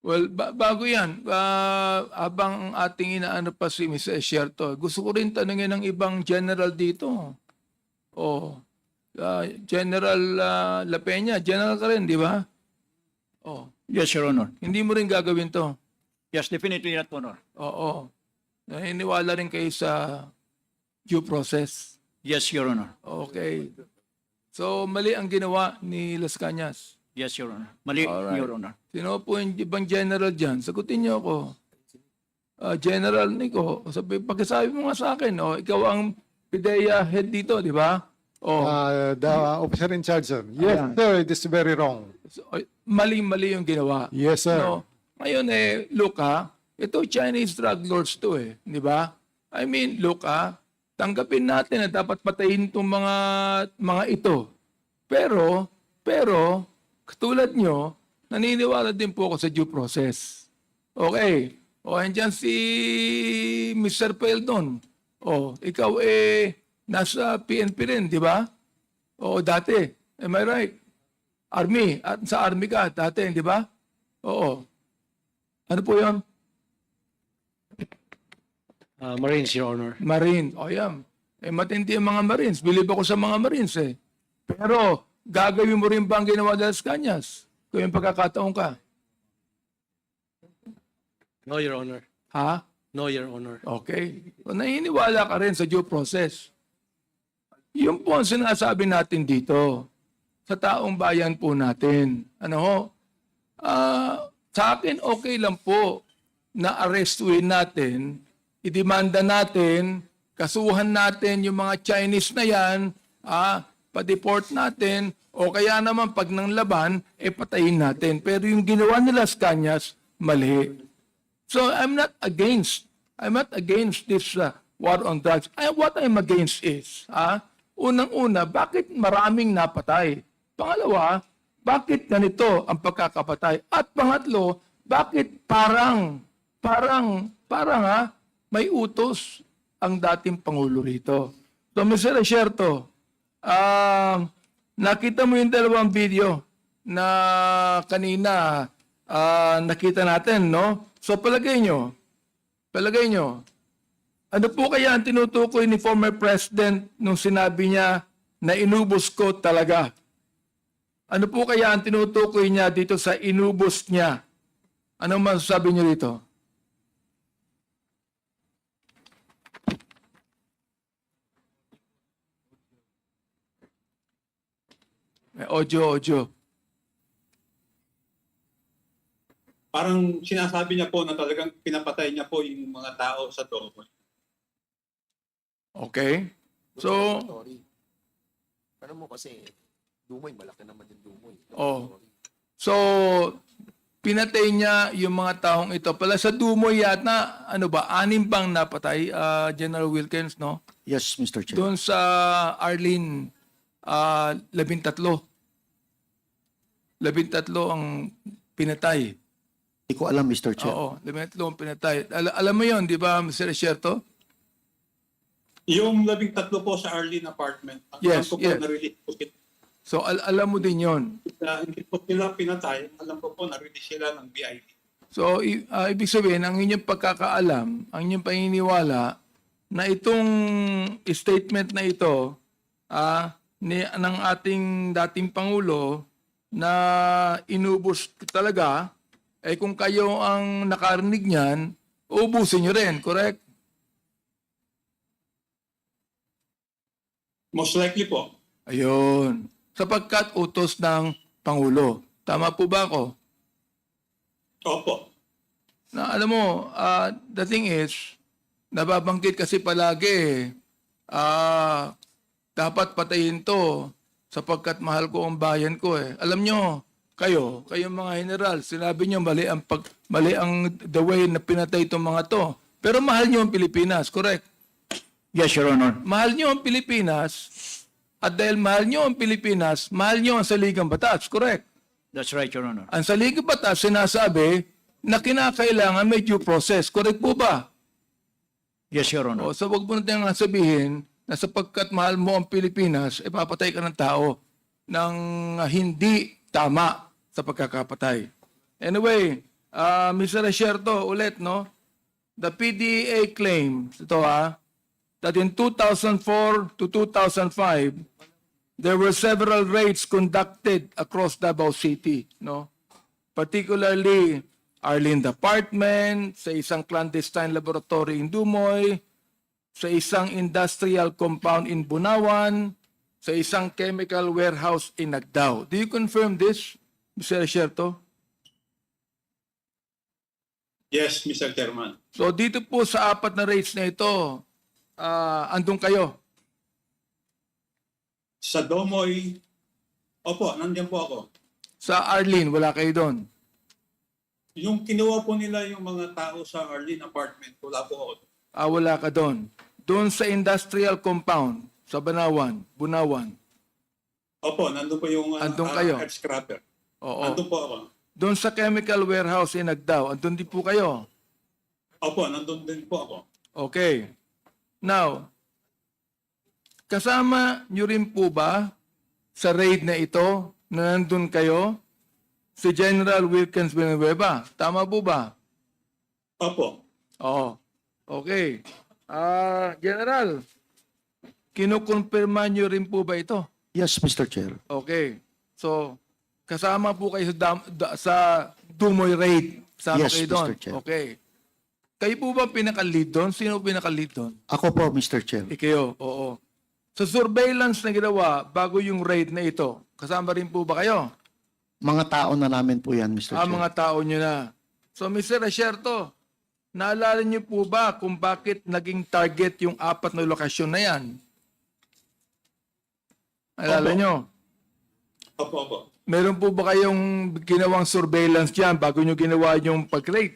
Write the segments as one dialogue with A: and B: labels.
A: Well, bago yan, habang ang ating inaano pa si Ms. Esierto, gusto ko rin tanungin ng ibang general dito. Oh, General La Peña, general ka rin, di ba? Oh,
B: Yes, Your Honor.
A: hindi mo rin gagawin to.
B: Yes, definitely not, Honor.
A: Oo. Naniniwala rin kayo sa due process.
B: Yes, Your Honor.
A: Okay. So, mali ang ginawa ni Las Cañas.
B: Yes, Your Honor. Mali,
A: Alright.
B: Your Honor.
A: Sino po yung ibang general dyan? Sagutin niyo ako. General Nico, pagkasabi mo nga sa akin, ikaw ang PIDEA head dito, di ba?
C: The officer in charge, sir. Yes,
A: Ayan.
C: sir, it is very wrong.
A: Mali-mali yung ginawa.
C: Yes, sir.
A: No? Ngayon look ito Chinese drug lords to di ba? I mean, look tanggapin natin na dapat patayin itong mga ito. Pero, katulad nyo, naniniwala din po ako sa due process. Okay. Andyan si Mr. Peldon. Ikaw nasa PNP rin, di ba? Dati. Am I right? Army. At sa Army ka dati, di ba? Oo. Ano po yun?
D: Marines, Your Honor.
A: Marine. Yan. Matindi ang mga Marines. Believe ako sa mga Marines Pero, gagawin mo rin ba ang ginawa ng Las Cañas? Kung yung pagkakataon ka.
D: No, Your Honor.
A: Ha?
D: No, Your Honor.
A: Okay. So, naniniwala ka rin sa due process. Yung po ang sinasabi natin dito sa taong bayan po natin. Sa akin okay lang po na arrestuin natin, idemanda natin, kasuhan natin yung mga Chinese na yan, pa-deport natin, o kaya naman pag nang laban, patayin natin. Pero yung ginawa ni Las Cañas, mali. So I'm not against this war on drugs. What I'm against is, unang-una, bakit maraming napatay? Pangalawa, bakit ganito ang pagkakapatay? At pangatlo, bakit parang may utos ang dating Pangulo rito? So, Mr. Esierto, nakita mo yung dalawang video na kanina nakita natin, no? So, palagay nyo, ano po kaya ang tinutukoy ni former President nung sinabi niya na inubos ko talaga? Ano po kaya ang tinutukoy niya dito sa inubos niya? Anong masasabi niyo dito? May audio.
E: Parang sinasabi niya po na talagang pinapatay niya po yung mga tao sa Togo.
A: Okay? So,
F: Sorry. Ano mo kasi, Dumoy, malaki naman yung Dumoy.
A: So, pinatay niya yung mga taong ito. Pala sa Dumoy yata, 6 bang napatay, General Wilkins, no?
B: Yes, Mr. Chair.
A: Doon sa Arlene, 13. 13 ang pinatay.
B: Hindi ko alam, Mr. Chair.
A: Oo, 13 ang pinatay. Alam mo yon, di ba, Mr. Esierto?
E: Yung 13 po sa Arlene apartment,
A: Yes,
E: alam ko po
A: yes.
E: na-release po sila.
A: So, alam mo din yon.
E: Hindi po sila pinatay, alam ko po na-release sila ng BID.
A: So, ibig sabihin, ang inyong pagkakaalam, ang inyong paniniwala, na itong statement na ito ng ating dating Pangulo na inubos talaga, kung kayo ang nakarinig niyan, ubusin nyo rin, correct?
E: Most likely po.
A: Ayun. Sapagkat utos ng Pangulo. Tama po ba ako?
E: Opo.
A: Na alam mo, the thing is, nababanggit kasi palagi, dapat patayin to sapagkat mahal ko ang bayan ko Alam nyo, kayong mga general, sinabi nyo mali ang the way na pinatay itong mga to. Pero mahal nyo ang Pilipinas, correct?
B: Yes, Your Honor.
A: Mahal nyo ang Pilipinas, at dahil mahal nyo ang Pilipinas, mahal nyo ang saligang batas, correct?
B: That's right, Your Honor.
A: Ang saligang batas sinasabi na kinakailangan may due process, correct po ba?
B: Yes, Your Honor.
A: So wag mo natin nga sabihin na sapagkat mahal mo ang Pilipinas, papatay ka ng tao ng hindi tama sa pagkakapatay. Anyway, Mr. Resierto, ulit, no? The PDEA claims, that in 2004 to 2005, there were several raids conducted across Davao City, no? Particularly, Arlene Apartment, sa isang clandestine laboratory in Dumoy, sa isang industrial compound in Bunawan, sa isang chemical warehouse in Nagdao. Do you confirm this, Mr. Resierto?
E: Yes, Mr. Chairman.
A: So dito po sa apat na raids na ito, andun kayo.
E: Sa Domoy, opo, nandiyan po ako.
A: Sa Arlene, wala kayo doon.
E: Yung kinuha po nila yung mga tao sa Arlene Apartment, wala po ako.
A: Wala ka doon. Doon sa industrial compound, sa Bunawan.
E: Opo, nandun po yung
A: Andun kayo?
E: head scrapper.
A: Oo.
E: Nandun po ako.
A: Doon sa chemical warehouse in Nagdao, andun din po kayo.
E: Opo, nandun din po ako.
A: Okay. Now, kasama nyo rin po ba sa raid na ito na nandun kayo si General Wilkins Villanueva? Tama po ba?
E: Opo.
A: Oo. Okay. General, kinukumpirma nyo rin po ba ito?
B: Yes, Mr. Chair.
A: Okay. So, kasama po kayo sa Dumoy raid. Kasama
B: Yes,
A: kayo doon.
B: Mr. Chair.
A: Okay. Kayo po ba pinaka-lead doon? Sino pinaka-lead doon?
B: Ako po, Mr. Chair.
A: Ikayo, oo. Sa surveillance na ginawa bago yung raid na ito, kasama rin po ba kayo?
B: Mga tao na namin po yan, Mr. Chair.
A: Mga tao nyo na. So, Mr. Resierto, naalala nyo po ba kung bakit naging target yung apat na lokasyon na yan? Naalala
E: Opo.
A: nyo?
E: Opo, opo.
A: Meron po ba kayong ginawang surveillance dyan bago nyo ginawa yung pag-raid?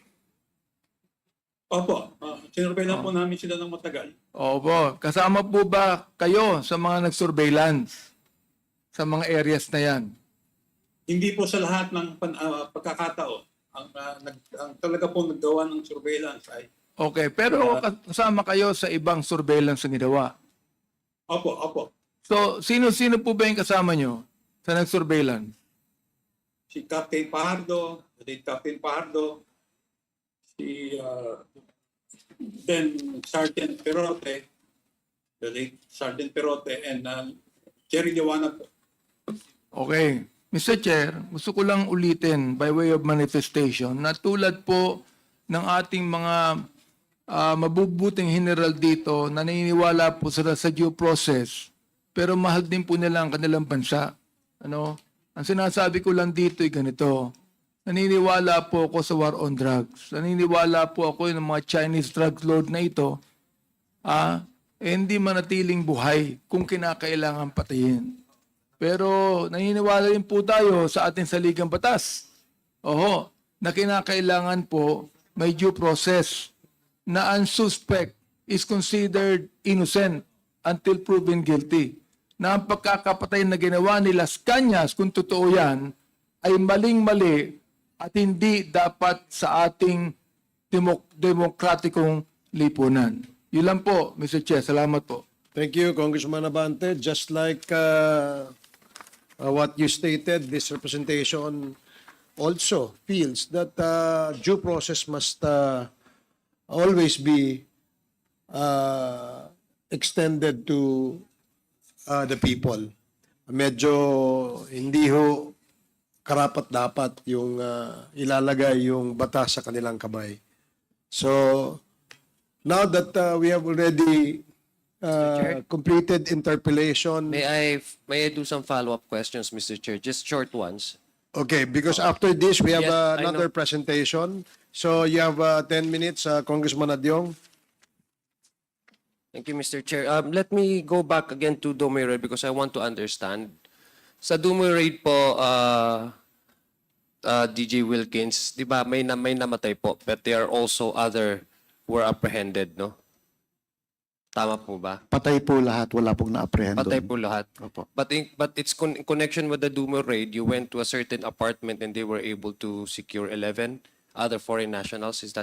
E: Opo. Sinurveillan po namin sila ng matagal.
A: Opo. Kasama po ba kayo sa mga nag-surveillance sa mga areas na yan?
E: Hindi po sa lahat ng pagkakataon. Ang talaga po naggawa ng surveillance ay
A: Okay. Pero kasama kayo sa ibang surveillance na ginawa.
E: opo, opo.
A: So, sino-sino po ba yung kasama nyo sa nag-surveillance?
E: Si Captain Pajardo, si Captain Pajardo, si then Sergeant Perote, the late Sergeant Perote, and Jerry Liwanag po.
A: Okay. Mr. Chair, gusto ko lang ulitin by way of manifestation na tulad po ng ating mga mabubuting general dito, naniniwala po sila sa due process, pero mahal din po nila ang kanilang bansa. Ano? Ang sinasabi ko lang dito ay ganito. Naniniwala po ako sa war on drugs. Naniniwala po ako ng mga Chinese drug lord na ito, hindi manatiling buhay kung kinakailangan patayin. Pero naniniwala rin po tayo sa ating saligang batas. Oho, na kinakailangan po may due process na ang suspect is considered innocent until proven guilty. Na ang pagkakapatay na ginawa ni Las Cañas, kung totoo yan, ay maling-mali at hindi dapat sa ating demokratikong lipunan. Yun lang po, Mr. Chair. Salamat po.
G: Thank you, Congressman Abante. Just like what you stated, this representation also feels that due process must always be extended to the people. Medyo hindi ho karapat-dapat yung ilalagay yung batas sa kanilang kamay. So, now that we have already completed interpellation.
F: May I do some follow-up questions, Mr. Chair? Just short ones.
G: Okay, because after this, we have
F: Yes, I
G: another
F: know.
G: presentation. So you have 10 minutes, Congressman Adyong.
F: Thank you, Mr. Chair. Let me go back again to Dumoy Raid because I want to understand. Sa Dumoy Raid po, DJ Wilkins, di ba may namatay po, but there are also other who were apprehended, no? Tama po ba?
B: Patay po lahat, wala pong na-apprehend
F: Patay
B: doon.
F: po lahat.
B: Opo.
F: But it's in connection with the Dumoy Raid, you went to a certain apartment and they were able to secure 11 other foreign nationals. Is